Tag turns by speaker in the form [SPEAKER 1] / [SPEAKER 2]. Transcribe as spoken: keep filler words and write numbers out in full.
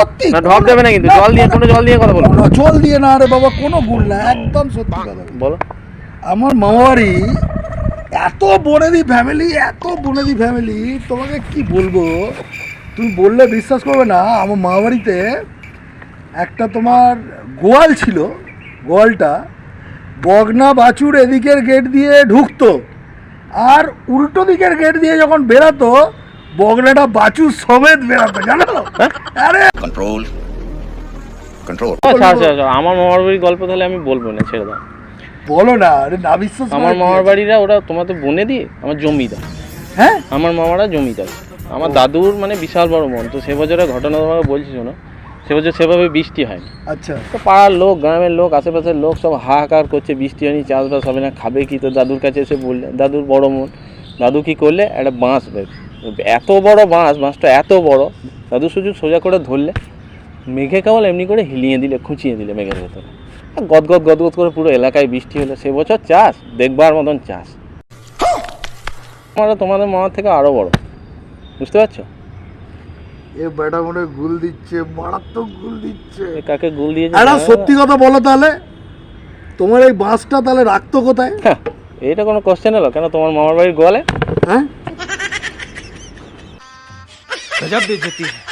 [SPEAKER 1] সত্যি
[SPEAKER 2] না ঢপ দেবে না কিন্তু জল দিয়ে কোনো জল দিয়ে কথা বলবো
[SPEAKER 1] না, জল দিয়ে না রে বাবা, কোনো ভুল না, একদম সত্যি কথা
[SPEAKER 2] বলো।
[SPEAKER 1] আমার মামাবাড়ি এত বনেদি ফ্যামিলি, এত বনেদি ফ্যামিলি, তোমাকে কি বলবো, তুমি বললে বিশ্বাস করবে না। আমার মামাবাড়িতে একটা তোমার গোয়াল ছিল, গোয়ালটা বগনা বাছুর এদিকের গেট দিয়ে ঢুকতো, আর উল্টো দিকের গেট দিয়ে যখন বেরাতো বগনাটা বাছুর সমেত বেরাতো, জানো? আরে
[SPEAKER 3] কন্ট্রোল কন্ট্রোল
[SPEAKER 2] আচ্ছা আচ্ছা আচ্ছা আমার মামার বাড়ির গল্প তাহলে আমি বলবো না, ছেড়ে দাও।
[SPEAKER 1] বলো না, আরে না বিশ্বাস
[SPEAKER 2] আমার মামার বাড়িরা ওরা তোমার তো বনে দিয়ে আমার জমিদার।
[SPEAKER 1] হ্যাঁ
[SPEAKER 2] আমার মামারা জমিদার। আমার দাদুর মানে বিশাল বড় মন, তো সে বছরের ঘটনা তোমাকে বলছি শোনো। সে বছর সেভাবে বৃষ্টি হয়নি,
[SPEAKER 1] আচ্ছা
[SPEAKER 2] তো পাড়ার লোক, গ্রামের লোক, আশেপাশের লোক সব হাহাকার করছে, বৃষ্টি হয়নি, চাষবাস হবে না, খাবে কি? তো দাদুর কাছে এসে বললে, দাদুর বড় মন, দাদু কী করলে, একটা বাঁশ বের, এত বড় বাঁশ, বাঁশটা এত বড়, দাদু শুধু সোজা করে ধরলে, মেঘে কেবল এমনি করে হিলিয়ে দিলে, খুঁচিয়ে দিলে মেঘের ভেতরে, গদগদ গদগদ করে পুরো এলাকায় বৃষ্টি হলো। সে বছর চাষ দেখবার মতন চাষ। আমরা তোমাদের মামার থেকে আরও বড়, বুঝতে পারছো?
[SPEAKER 1] এ বেটা মনে হয় গুল দিচ্ছে, মারাত্মক গুল দিচ্ছে।
[SPEAKER 2] এ কাকে গুল দিয়েছে?
[SPEAKER 1] একটা সত্যি কথা বলো তাহলে, তোমার এই বাঁশটা তাহলে রাখতো কোথায়?
[SPEAKER 2] হ্যাঁ, এটা কোনো কোশ্চেন হলো? কেন তোমার মামার বাড়ির গোয়ালে?
[SPEAKER 1] হ্যাঁ
[SPEAKER 4] गजब बेइज्जती है।